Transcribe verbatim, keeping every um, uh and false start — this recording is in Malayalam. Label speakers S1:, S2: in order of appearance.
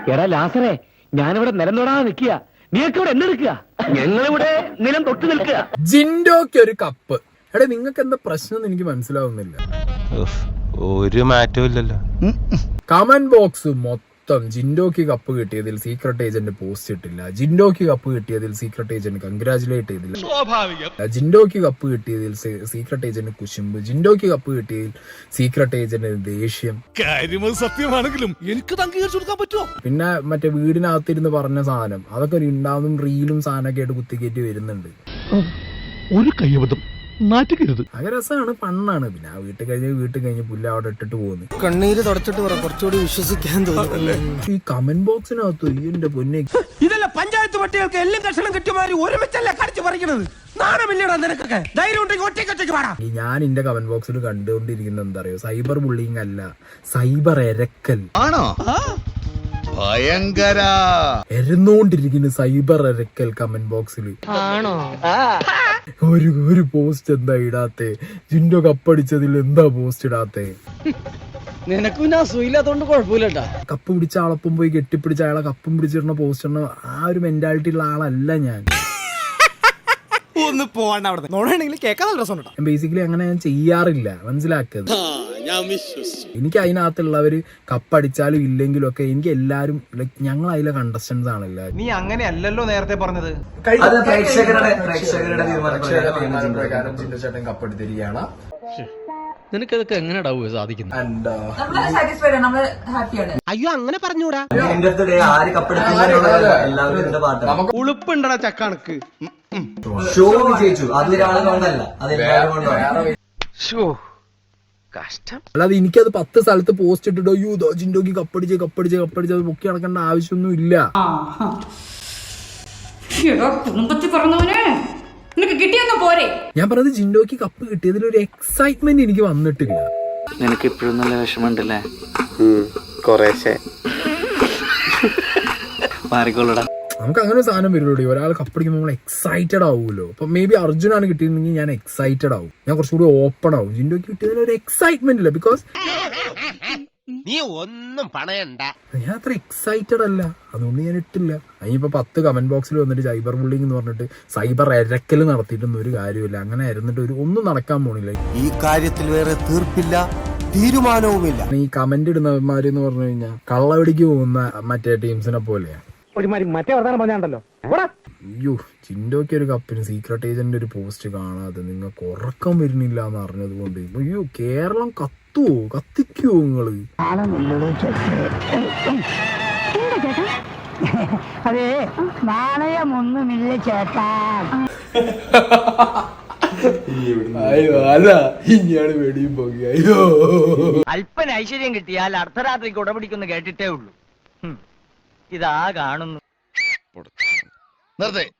S1: എടാ ലാസറേ, ഞാനിവിടെ നിലം തൊടാതെ നിൽക്കുക, നീയൊക്കെ ഇവിടെ എന്തെടുക്കുക? ഞങ്ങളിവിടെ നിലം തൊട്ട് നിൽക്കുക.
S2: ജിൻഡോക്ക് ഒരു കപ്പ്. എടാ നിങ്ങൾക്ക് എന്താ പ്രശ്നം എനിക്ക് മനസ്സിലാവുന്നില്ല.
S3: ഒരു മാറ്റവും ഇല്ലല്ലോ.
S2: കമന്റ് ബോക്സ് മൊത്തം ജിൻഡോക്ക് കപ്പ് കിട്ടിയതിൽ സീക്രട്ട് ഏജന്റ് പോസ്റ്റ് ഇട്ടില്ല, ജിൻഡോക്ക് കപ്പ് കിട്ടിയതിൽ സീക്രട്ട് ഏജന്റ് കൺഗ്രാചുലേറ്റ് ചെയ്തില്ല, ജിൻഡോക്ക് കപ്പ് കിട്ടിയതിൽ സീക്രട്ട് ഏജന്റ് കുശുമ്പ്, ജിൻഡോക്ക് കപ്പ് കിട്ടിയതിൽ സീക്രട്ട് ഏജന്റ് ദേഷ്യം.
S4: സത്യമാണെങ്കിലും എനിക്ക് അംഗീകരിച്ചു കൊടുക്കാൻ പറ്റുമോ?
S2: പിന്നെ മറ്റേ വീടിനകത്തിരുന്ന് പറഞ്ഞ സാധനം അതൊക്കെ ഒരു ഉണ്ടാവും റീലും സാധനമൊക്കെ ആയിട്ട് കുത്തിക്കയറ്റി വരുന്നുണ്ട്.
S4: ഒരു കയ്യബദ്ധം നാറ്റിക്കരുത്.
S2: അത് രസമാണ്, ഫണ്ണാണ്. പിന്നെ ആ വീട്ടിൽ കഴിഞ്ഞ് വീട്ടിൽ കഴിഞ്ഞ് പുല്ല് അവിടെ ഇട്ടിട്ട് പോകുന്നു.
S5: കണ്ണീര് തുടച്ചിട്ട് പറ, കുറച്ചുകൂടി വിശ്വസിക്കാൻ തോന്നുന്നു.
S2: ഈ കമന്റ് ബോക്സിനകത്ത് എന്റെ പൊന്നെ,
S5: ഇതല്ല പഞ്ചായത്ത് പട്ടികൾക്ക് എല്ലാം കഷണം കിട്ടിയമാതിരി ഒരുമിച്ചല്ലേ കടിച്ചു പറിക്കണത്. നാണമില്ലടാ നിനക്കൊക്കെ. ധൈര്യം ഉണ്ടെങ്കിൽ ഒറ്റയ്ക്കൊറ്റയ്ക്ക് പാടാ.
S2: ഞാൻ എന്റെ കമന്റ് ബോക്സിൽ കണ്ടുകൊണ്ടിരിക്കുന്നത് എന്താ അറിയോ, സൈബർ ബുള്ളിങ് അല്ല, സൈബർ എരക്കൽ
S6: ആണോ? ഭയങ്കര
S2: എരന്നോണ്ടിരിക്കുന്ന സൈബർ എരക്കൽ കമന്റ് ബോക്സിൽ. ഒരു ഒരു പോസ്റ്റ് എന്താ ഇടാത്തെ? ജിൻഡോ കപ്പടിച്ചതിൽ എന്താ പോസ്റ്റ് ഇടാത്തെ?
S5: നിനക്കും ഞാൻ സുഖമില്ലാത്തോണ്ട് കുഴപ്പമില്ലട്ടാ.
S2: കപ്പ് പിടിച്ച ആളൊപ്പം പോയി കെട്ടിപ്പിടിച്ച അയാളെ കപ്പും പിടിച്ചിടുന്ന പോസ്റ്റ് ഇടുന്ന ആ ഒരു മെന്റാലിറ്റി ഉള്ള ആളല്ല ഞാൻ.
S5: ഒന്ന് പോവാണ്ട് അവിടെ നോടാണെങ്കിൽ കേൾക്കാൻ നല്ല രസമുണ്ടോ.
S2: ബേസിക്കലി അങ്ങനെ ഞാൻ ചെയ്യാറില്ല, മനസ്സിലാക്കുന്നത്. എനിക്ക് അതിനകത്തുള്ളവര് കപ്പടിച്ചാലും ഇല്ലെങ്കിലും ഒക്കെ എനിക്ക് എല്ലാരും ലൈക് ഞങ്ങൾ അതിലെ കണ്ടസ്റ്റൻസ് ആണ് എല്ലാവരും.
S7: നീ അങ്ങനെയല്ലല്ലോ നേരത്തെ പറഞ്ഞത്.
S2: ചേട്ടൻ കപ്പെടുത്തിരിക്കുകയാണ്.
S5: നിനക്കതൊക്കെ എങ്ങനെയാ സാധിക്കുന്നത്?
S7: അയ്യോ അങ്ങനെ പറഞ്ഞൂടാ.
S5: ഉളുപ്പുണ്ടടാ ചക്കണക്ക്.
S2: അല്ലാതെ എനിക്കത് പത്ത് സ്ഥലത്ത് പോസ്റ്റ് ഇട്ടിട്ടോ യൂ ജിൻഡോക്ക് കപ്പടിച്ച് കപ്പടിച്ച് കപ്പടിച്ച് അത് പൊക്കി നടക്കേണ്ട ആവശ്യമൊന്നും ഇല്ല. ഞാൻ പറഞ്ഞത് ജിൻഡോക്ക് കപ്പ് കിട്ടിയതിൽ ഒരു എക്സൈറ്റ്മെന്റ് എനിക്ക് വന്നിട്ടില്ല.
S8: നിനക്ക് ഇപ്പോഴും നല്ല വിഷമമുണ്ടല്ലേ?
S3: കൊറേശ്ശെ
S8: മാറിക്കൊള്ളടാ.
S2: നമുക്ക് അങ്ങനെ ഒരു സാധനം വരുള്ളൂ, ഒരാൾ കപ്പടിക്കുമ്പോൾ നമ്മൾ എക്സൈറ്റഡ് ആവുമല്ലോ. അപ്പൊ മേ ബി അർജുനാണ് കിട്ടിയിരുന്നെങ്കിൽ ഞാൻ എക്സൈറ്റഡ് ആവും, ഞാൻ കുറച്ചുകൂടി ഓപ്പൺ ആവും. ജിൻഡോക്ക് കിട്ടിയതിൽ ഒരു എക്സൈറ്റ്മെന്റ് ഇല്ല, ബിക്കോസ്
S7: നീ ഒന്നും പണയണ്ട.
S2: ഞാൻ അത്ര എക്സൈറ്റഡ് അല്ല, അതുകൊണ്ട് ഞാൻ ഇട്ടില്ല. അതിനിപ്പോ പത്ത് കമന്റ് ബോക്സിൽ വന്നിട്ട് സൈബർ ബുള്ളിങ് എന്ന് പറഞ്ഞിട്ട് സൈബർ എരക്കൽ നടത്തിയിട്ടൊന്നും ഒരു കാര്യമില്ല. അങ്ങനെ ആയിരുന്നിട്ട് ഒരു ഒന്നും നടക്കാൻ പോണില്ല.
S5: ഈ കാര്യത്തിൽ വേറെ തീർപ്പില്ല, തീരുമാനവുമില്ല.
S2: ഈ കമന്റ് ഇടുന്നവന്മാര് എന്ന് പറഞ്ഞു കഴിഞ്ഞാൽ കള്ളവടിക്ക് പോകുന്ന മറ്റേ ടീംസിനെ പോലെയാണ്.
S1: മറ്റേ വർത്താനം പറഞ്ഞാണ്ടല്ലോ.
S2: അയ്യോ, ജിൻഡോക്ക് ഒരു കപ്പിന് സീക്രട്ട് ഏജന്റ് ഒരു പോസ്റ്റ് കാണാതെ നിങ്ങൾക്ക് ഉറക്കം വരുന്നില്ല എന്ന് അറിഞ്ഞത് കൊണ്ട് അയ്യോ കേരളം കത്തുവോ, കത്തിക്കുവോ നിങ്ങള്?
S9: അതെ, നാണയമൊന്നുമില്ല ചേട്ടാ.
S2: അയ്യോ അല്ല, ഇനിയാണ് വെടിയും പോയി. അയ്യോ,
S1: അല്പന ഐശ്വര്യം കിട്ടിയാൽ അർദ്ധരാത്രിക്ക് ഉടപിടിക്കുന്നു കേട്ടിട്ടേ ഉള്ളൂ. ഇതാ കാണുന്നു.